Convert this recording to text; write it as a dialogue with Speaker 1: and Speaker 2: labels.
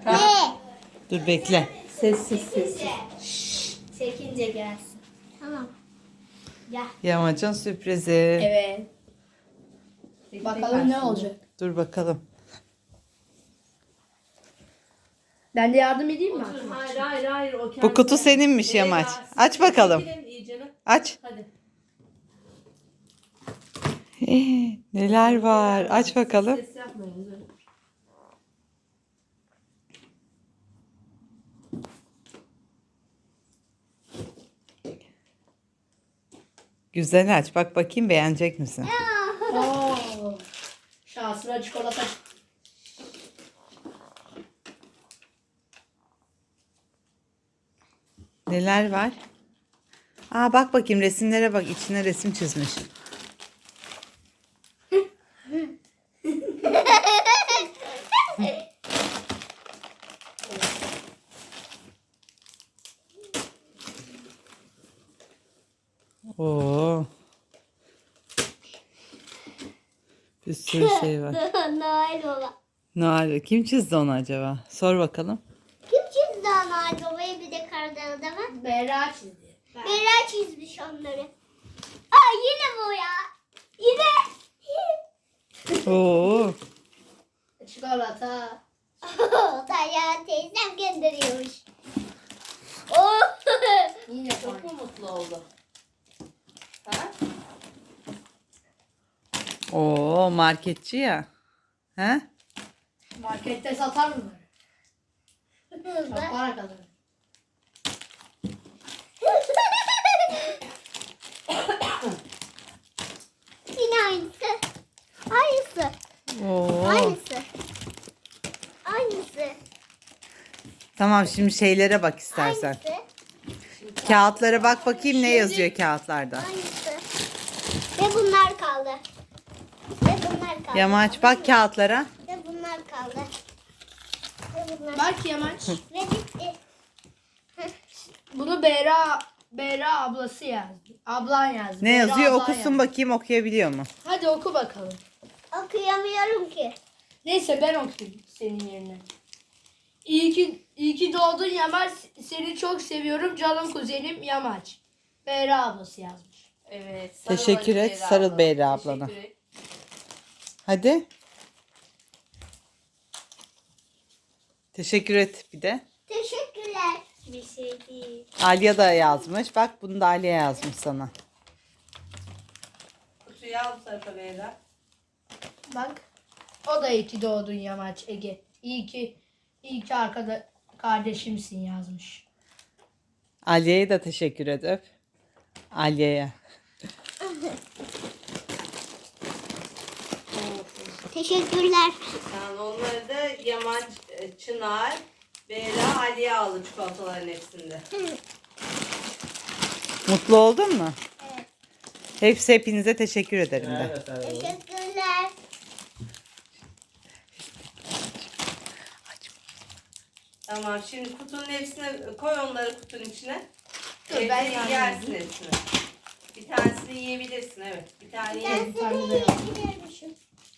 Speaker 1: Ne?
Speaker 2: Dur bekle.
Speaker 3: Sessiz.
Speaker 1: Çekince gelsin. Tamam. Gel.
Speaker 2: Yamacın sürprizi.
Speaker 3: Evet. Bakalım ne olacak.
Speaker 2: Dur bakalım.
Speaker 3: Ben de yardım edeyim mi?
Speaker 4: Hayır. O
Speaker 2: Bu kutu seninmiş
Speaker 4: Evet,
Speaker 2: Yamaç.
Speaker 4: ya,
Speaker 2: Aç bakalım.
Speaker 4: çekilin iyicene.
Speaker 2: Aç.
Speaker 4: Hadi.
Speaker 2: Neler var? Aç bakalım.
Speaker 4: Ses yapmayın. Dur.
Speaker 2: Güzel aç. Bak bakayım beğenecek misin?
Speaker 3: Oo. Şansına çikolata.
Speaker 2: Neler var? Aa bak bakayım resimlere bak. İçine resim çizmiş. Oo. Bir sürü şey var.
Speaker 1: Noel Baba.
Speaker 2: Noel. Kim çizdi onu acaba? Sor bakalım.
Speaker 1: Kim çizdi Noel Baba'yı bir de kardan adamı?
Speaker 3: Berra çizdi.
Speaker 1: Bera çizmiş onları. Aa yine bu ya. Yine.
Speaker 2: Oo.
Speaker 3: Çikolata.
Speaker 1: Dayan teyzem gönderiyormuş. Oh.
Speaker 3: Yine
Speaker 4: Çok mu mutlu oldu? Ha?
Speaker 2: Oo marketçi ya. He?
Speaker 3: markette satar mı? Çok para kazanır.
Speaker 1: Yine aynısı. Aynısı.
Speaker 2: Oo.
Speaker 1: Aynısı. Aynısı.
Speaker 2: Tamam şimdi şeylere bak istersen.
Speaker 1: Aynısı.
Speaker 2: Kağıtlara bak bakayım ne yazıyor kağıtlarda.
Speaker 1: Aynısı. Ve bunlar kaldı. Ve bunlar kaldı.
Speaker 2: Yamaç bak kağıtlara.
Speaker 1: Ve bunlar kaldı. Ve bunlar
Speaker 3: Bak Yamaç.
Speaker 1: Ve bitti.
Speaker 3: Bunu Berra ablası yazdı. Ablan yazdı.
Speaker 2: Ne
Speaker 3: Berra
Speaker 2: yazıyor
Speaker 3: ablan
Speaker 2: okusun
Speaker 3: yazdı.
Speaker 2: bakayım okuyabiliyor mu?
Speaker 3: Hadi oku bakalım.
Speaker 1: Okuyamıyorum ki.
Speaker 3: Neyse ben okuyayım senin yerine. İyi ki doğdun Yamaç. Seni çok seviyorum canım kuzenim Yamaç. Berra ablası yazmış.
Speaker 4: Evet.
Speaker 2: Teşekkür
Speaker 4: hadi
Speaker 2: et,
Speaker 4: Beyra
Speaker 2: sarıl
Speaker 4: ablana.
Speaker 2: Beyra ablana.
Speaker 4: Teşekkür et.
Speaker 2: Hadi. Teşekkür et bir de.
Speaker 1: Teşekkürler. Bir şey değil.
Speaker 2: Alya da yazmış. Bak bunu da Alya yazmış sana.
Speaker 4: Kutuyu al bu tarafa Beyra.
Speaker 3: Bak. O da iyi ki doğdun Yamaç Ege. İyi ki kardeşimsin yazmış.
Speaker 2: Alya'ya da teşekkür et öp. Alya'ya.
Speaker 1: Teşekkürler.
Speaker 4: Yani onları da Yamaç, Çınar, Beyra, Aliye aldı çikolataların hepsinde.
Speaker 2: Mutlu oldun mu?
Speaker 1: Evet.
Speaker 2: Hepinize teşekkür ederim de.
Speaker 1: Teşekkürler.
Speaker 4: Tamam şimdi kutunun hepsine koy onları kutunun içine.
Speaker 3: Dur,
Speaker 4: Evde
Speaker 3: ben yardım
Speaker 4: yersin hepsini. Bir tanesini yiyebilirsin evet. Bir tane ye.
Speaker 1: Ben seni yiyebilirmişim.